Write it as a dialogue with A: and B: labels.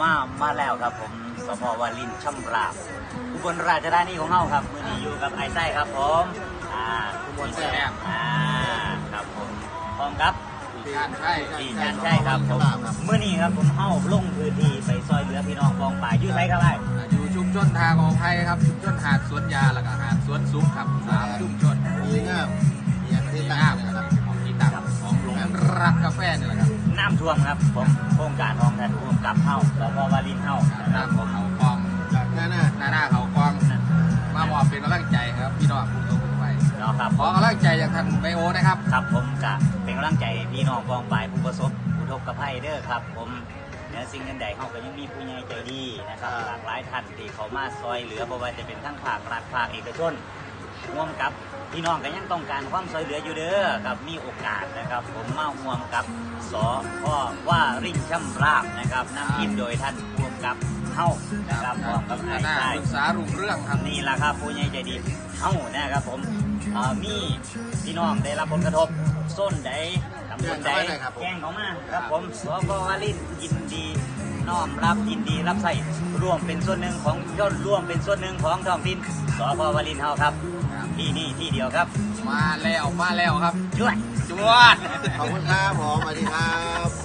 A: มาแล้วครับผมสพวารินช่ำราบอุบลราชธานีของเฮาครับมื้อนี้อยู่กับไอ้ไส้ครับผม
B: อุบลแซ่บ
A: ครับผมพร้อมครับ
B: ดีงานใช่
A: ครับผมมื้อนี้ครับผมเฮาลงพื้นที่ไปซอยเหลือพี่น้องกองป่าอยู่ไสครับไอ้
B: อยู่ชุมชนทางของไทยครับชุมชนหาดสวนยาแล้วก็หาดสวนสุขครับ3ชุมชน
C: ดีงาม
B: ที่ตั้งนะครับของที่ตั้งของหลงรักกาแฟนี่แหละครับ
A: น้ำท่วมครับผมโครงการของท่านผู้กำกับเฮาสพวารินเฮา
B: นะครับผมเขากองหน้าเขากองมามอบเป็นกำลังใจครับพี่น้องผู้ชมไป
A: เนาะครับ
B: ขอกำลังใจจากท่านไบโอนะครับ
A: ครับผมจะเป็นกำลังใจพี่น้องกองป่าผู้ประสบอุทกภัยเด้อครับผมสิ่งใดเขาก็ยังมีผู้ใหญ่ใจดีนะครับหลากหลายท่านที่เขามาซอยเหลือบ่ว่าจะเป็นทั้งภาครัฐภาคเอกชนร่วมกับพี่น้องก็ยังต้องการความซอยเหลืออยู่เด้อครับมีโอกาสนะครับผมมาร่วมกับสพวารินช่ำราบนะครับนำทีมโดยท่านร่วมกับเฮานะครับพร้อมกับไอ้
B: ใช่ศึกษารุ่งเรื่องครับ
A: นี่แหละครับผู้ใหญ่ใจดีเฮานะครับผมมีพี่น้องได้รับผลกระทบส้นใดตำบลใดแจ้งเขามาครับผมสพวารินยินดีน้อมรับยินดีรับใส่ร่วมเป็นส่วนหนึ่งของยอดร่วมเป็นส่วนหนึ่งของท้องถิ่นสพวารินเฮาครับที่นี่ที่เดียวครับ
B: มาแล้วครับ
A: จวด
B: ขอบคุณครับผมสวัสดีครับ